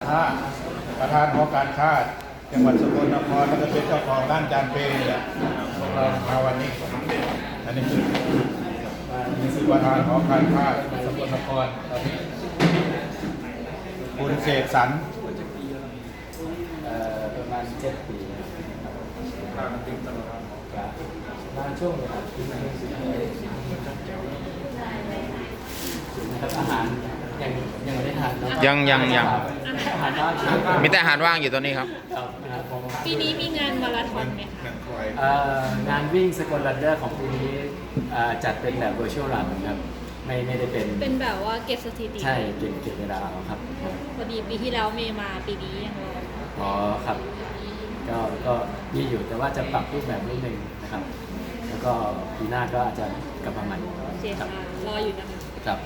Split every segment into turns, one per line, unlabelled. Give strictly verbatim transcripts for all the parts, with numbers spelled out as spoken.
ค้าประธานหอการค้าจังหวัดสกลนครแล้วก็เป็นเจ้าของร้านจานเปย์เนี่ยพวกเรามาวันนี้อันนี้คือนี่คือประธานหอการค้าสกลนครตอนนี้คุณเสกสรร
ประมาณเจ็ดปีครับมาช่วงนะครับนะครับอาหารยังยังไม่ได้ทานเนอะ
ยังยังยัง
อาหารว่าง
มีแต่อาหารว่างอยู่ตัวนี้ครับ
ครับผม
ปีนี้มีงานมาราธอนไหมคะ
เอ่องานวิ่งสกลรันเดอร์ของปีนี้เอ่อจัดเป็นแบบ virtual run ครับไม่ไม่ได้เป็น
เป็นแบบว่าเก็บสถิติ
ใช่เก็บเก็บเวลาเอาครับ
พอดีปีที่แล้วเมย์มาปีนี้ยังรอ
อ๋อครับก็ก็มีอยู่แต่ว่าจะปรับรูปแบบนิดนึงนะครับ แล้วก็ปีหน้าก็อาจจะกลับมาใหม่
เสีย
ครั
ชา
บ
รออยู่นะคะ
ครับ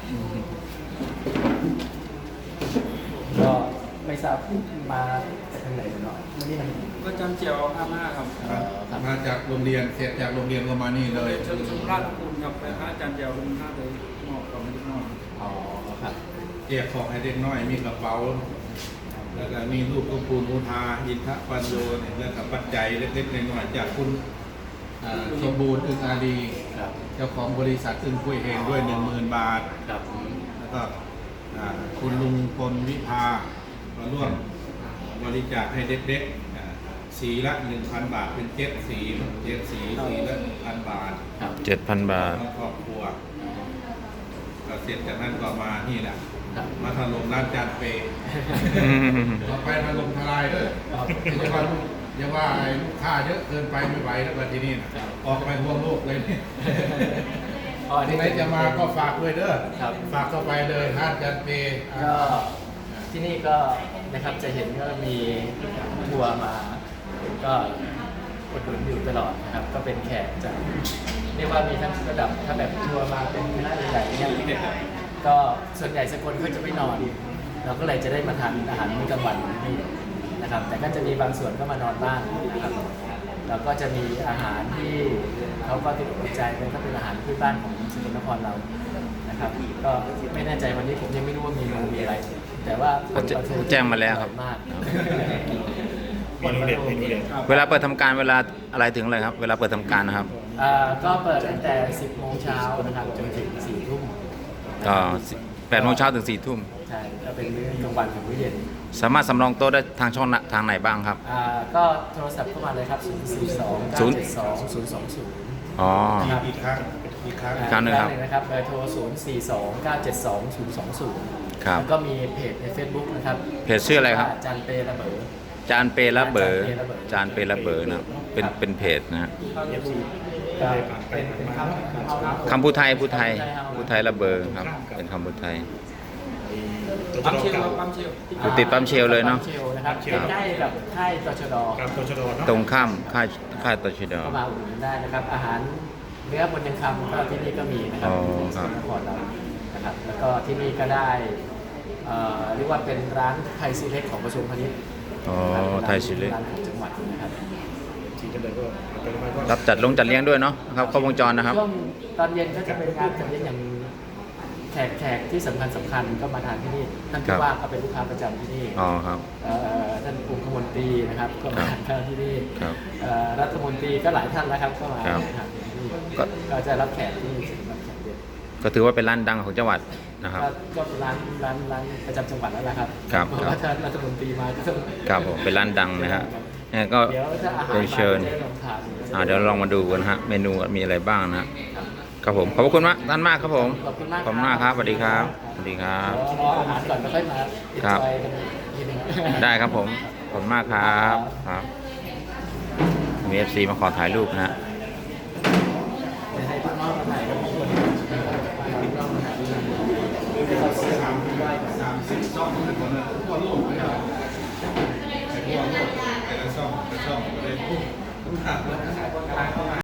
ก็ไม่ทราบมาจากทางไหนเนาะไม่ได้ทำ
ก็จำเจียวอาม่าครับ
เอ่อครับ
มาจากโรงเรียนเสร็จจากโรงเรียนก็มานี่เลย
เชิญชมราชคุณครับไปพระอาจารย์เจียวคุณห้าเลยมอบของนิดหน่อย
อ๋อครับ
เจียของให้เด็กน้อยมีกระเป๋าแล้วก็มีรูปคุณปูนมูทาอินทปัญโยเนี่ยแล้วก็ปัจจัยเล็กๆน้อยๆจากคุณอ่าสมบูรณ์อึงอาดี
ครับ
เจ้าของบริษัทอึงคุยเฮงด้วยหนึ่งหมื่นบาท
ครับ
แล้วก็อ่าคุณลุงพลวิภามาร่วมบริจาคให้เด็กๆอ่าสีละหนึ่งพันบาทเป็นเจ็ดสีเจ็ดสีสีละหนึ่งพันบาท
ครับ
เจ็ดพันบาท
ทั้งครอบครัวก็เสร็จจากนั้นก็มานี่แหละ
ครับ
มาถล่มร้านจานเปย์ต่อไปถล่มทลายเลยอย่าว่าอย่าว่าไอ้ลูกค้าเยอะเกินไปไม่ไหวแล้วแบบที่นี่นะออกไปทั่วโลกเลยนี่
อ๋อ
ที่ไหนจะมาก็ฝากด้วยเด้อ
ครับ
ฝากเข้าไปเลยร้านจานเปย์
ก็ที่นี่ก็นะครับจะเห็นก็มีทัวร์มา ก็อุดหนุนอยู่ตลอดนะครับ ก็เป็นแขกจากเรียกว่ามีทั้งระดับถ้าแบบทัวร์มาเป็นคณะใหญ่ๆเนี่ยก็ส่วนใหญ่สกลก็จะไม่นอน เราก็เลยจะได้มาทานอาหารมื้อกลางวันที่นี่นะครับ แต่ก็จะมีบางส่วนก็มานอนบ้างนะครับแล้วก็จะมีอาหารที่เขาก็ติดอกติดใจเป็นก็เป็นอาหารพื้นบ้านของสกลนครเรานะครับ ก็ไม่แน่ใจวันนี้ผมยังไม่รู้ว่ามีเมนูมีอะไร แต่ว่า
แจ้งมาแล้วครับ
มาก
เมนูเด็ดเมนูเด็ด
เวลาเปิดทำการเวลาอะไรถึงอะไรครับ เวลาเปิดทำการนะครับ
อ่าก็เปิดตั้งแต่ สิบโมงเช้านะครับจนถึง สี่ทุ่ม
ก็แปดโมงเช้าถึงสี่ทุ่ม
ใช่ก็เป็นมื้อกลางวันถึงมื้อเย็น
สามารถสำรองโต๊ะได้ทางช่องทางไหนบ้างครับ
อ่าก็โทรศัพท์เข้ามาเลยครับ ศูนย์ สี่ สอง เก้า เจ็ด สอง ศูนย์ สอง ศูนย์
อ๋อ
อีกครั้งอีกครั้ง
อีกครั้งหนึ่งครับ
นะครับเบอร์โทร ศูนย์ สี่ สอง เก้า เจ็ด สอง ศูนย์ สอง ศูนย์
ครับ
แล้วก็มีเพจใน Facebook นะครับ
เพจชื่ออะไรครับ
าจานเประเบิด
จานเปละเบอร์จานเปละเบอร์นะครับเป็นเป็นเพจนะฮะ
ก็เป็นเป็นคำ
คำพูดไทยพูดไทยพูดไทยละเบอร์ครับ เป็นคำพูดไทย
ตัว
ปั๊ม
จ
เชียว
กับ
ปั๊มเชียว
อยู่ติดปั๊มเชลเลยเนาะ
ปั๊มเชลนะครับใกล้ๆกับค่ายตชด
กับตัวชดเนาะ
ตรงข้ามค่ายค่ายตชด
เข้ามาอุดหนุนได้นะครับ อาหารเนื้อบนยังคำก็ที่นี่ก็มีนะครับ
อ๋อ
ที่
ครับ
นครเรานะครับ แล้วก็ที่นี่ก็ได้เอ่อเรียกว่าเป็นร้านไทยซีเล็กของกระทรวงพาณิชย์
อ๋อไทยชิลเล
ร้านของจังหวัดนะครับ
ทีกันเลยก็เป็นไปว่า
รับจัดลงจัดเลี้ยงด้วยเนาะครับครบวงจรนะครับ
ช่วงตอนเย็นก็จะเป็นงานจัดเลี้ยงอย่างแขกแขกที่สำคัญสำคัญก็มาทานที่นี่ท่าน
ครั
ผู้
บ
ว่าก็เป็นลูกค้าประจำที่นี่
อ๋อครับ
เอ่อท่านองคมนตรีนะครับก็มา
ครับ
ทานข้าวที่นี่
ครับ
เอ่อรัฐมนตรีก็หลายท่านแล้วครับก็มา
ครับ
ทานที่นี่
ก็
ก็จะรับแขกที่นี่รับแขกเยอะ
ก็ถือว่าเป็นร้านดังของจังหวัดนะครับ
ก็ก็เป็นร้านร้านร้านประจำจังหวัดแล้วล่ะครับ
ครับ
เพราะว่าท่านรัฐมนตรีมาก็ต้อง
ครับผมเป็นร้านดังนะฮะเนี่ยก็
เดี๋ยวถ้าอาหาร
เรียนเชิญ
มาจะได้ลองทาน
อ่าเดี๋ยวลองมาดูกันนะฮะเมนูมีอะไรบ้างนะฮะครับผมขอบพระคุณมากท่านมากครับผม
ขอบคุณมาก
ขอบคุณมากครับสวัสดีครับสวัสดีครับ
เดี๋ยวรออาหารก่อนแล้วค่อยมาอิน
ครับ
จอยกันทีนึง
ได้ครับผมขอบคุณมากครับครับมีเอฟซีมาขอถ่ายรูปนะฮะ
ให้พี่น้องมาถ่ายกับผมคนพี่น้องมาถ่ายด้วยให้เขาเสียงได้ก่อน
สามสิบช่องนะคนละทั่วโลกเลยครับไอ้ทั่วโลกแต่ละช่องแต่ละช่องก็เลยพุ่งพุ่งทางแล้ว